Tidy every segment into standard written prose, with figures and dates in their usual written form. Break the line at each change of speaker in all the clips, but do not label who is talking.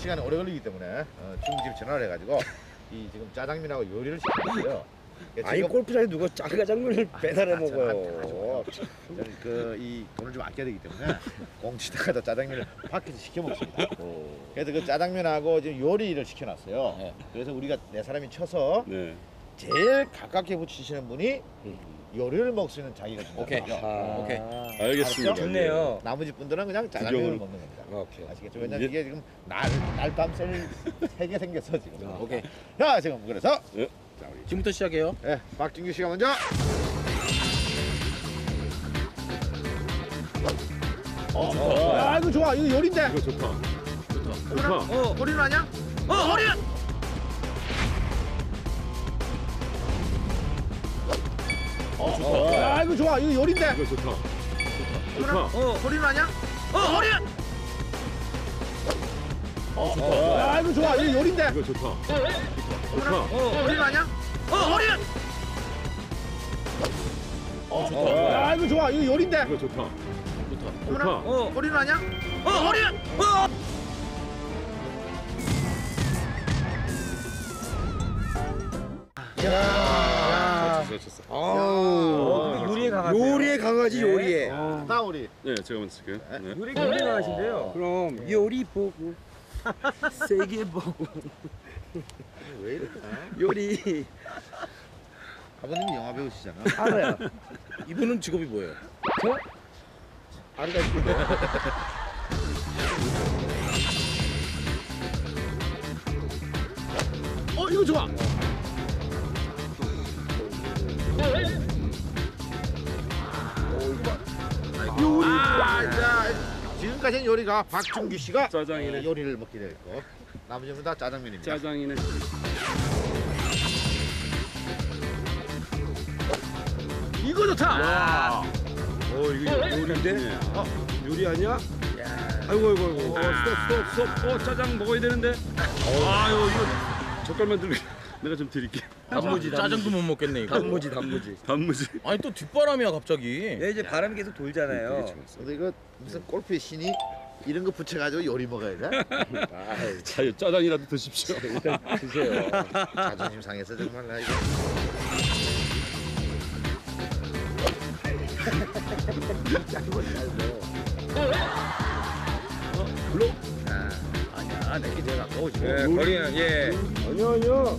시간이 오래 걸리기 때문에 중국집 전화를 해가지고 이 지금 짜장면하고 요리를 시켰어요.
아니 골프장에 누가 짜장면을 배달해 먹어요.
저는 이 돈을 좀 아껴야 되기 때문에 공치다가도 짜장면을 밖에서 시켜 먹습니다. 그래서 그 짜장면하고 지금 요리를 시켜놨어요. 네. 그래서 우리가 네 사람이 쳐서
네.
제일 가깝게 붙이시는 분이 요리를 먹을 수 있는 자기가 준다.
오케이.
오케이.
알겠습니다.
좋네요.
나머지 분들은 그냥 짜장면을 먹는 겁니다.
오케이.
아시겠죠? 왜냐면 이게 지금 날밤 셀 3개 생겼어 지금.
오케이.
자 지금 그래서
네.
자 우리
지금부터 시작해요.
네, 박진규 씨가 먼저. 아 이거 좋아. 이거 요리인데.
이거 좋다. 좋다.
허리는 아니야? 허리. 아 이거 좋아. 이거 요리인데.
이거 좋다. 좋다.
허리는 아니야? 허리. 아 이거 좋아. 이거 요리인데.
이거 좋다. 좋다.
허리는 아니야? 허리. 아 이거 좋아. 이거 요리인데.
이거 좋다. 좋다.
허리는 아니야? 허리.
좋았어.
아우.
요리에 강하세요.
요리에 강하지 요리에.
다 우리.
네, 제가 먼저 쓸게요. 네.
요리가 요리 강하신데요.
그럼 요리 보고 세게 보고
왜 이럴까?
요리
아버님이 영화 배우시잖아.
알아요.
이분은 직업이 뭐예요?
안 가시고.
이거 좋아. 요리. 자, 지금까지는 요리가 박준규 씨가
짜장이네.
요리를 먹게 됐고 나머지 분다 짜장면입니다.
짜장이네.
이거 좋다.
이거 요리인데?
네.
요리 아니야? 아이고.
스톱. 짜장 먹어야 되는데. 아유, 이거 젓갈만 들고 내가 좀 드릴게.
단무지 짜장도 못 먹겠네 이거.
단무지.
단무지.
아니 또 뒷바람이야 갑자기.
네, 이제 바람이 계속 돌잖아요.
근데 이거 무슨 골프의 신이 이런 거 붙여가지고 요리 먹어야 돼?
자, 짜장이라도 드십시오.
일단 드세요.
자존심 상해서 정말 나 이거.
물로?
아니야, 내게 제가 가까워 지금.
네, 거리는 예. 아니요.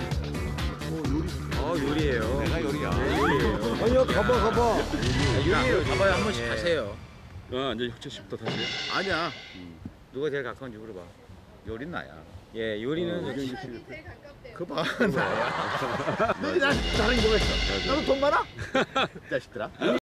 요리예요.
내가 요리야.
아니요, 가봐.
요리예요. 잡아야 한 번씩 하세요.
이제 혁재 씨부터 다시.
아니야. 누가 제일 가까운지 물어봐. 요리는 나야.
예, 요리는
그 봐, 나야. 너희 나는 뭐가 있어? 너도 돈 많아? 자식들아.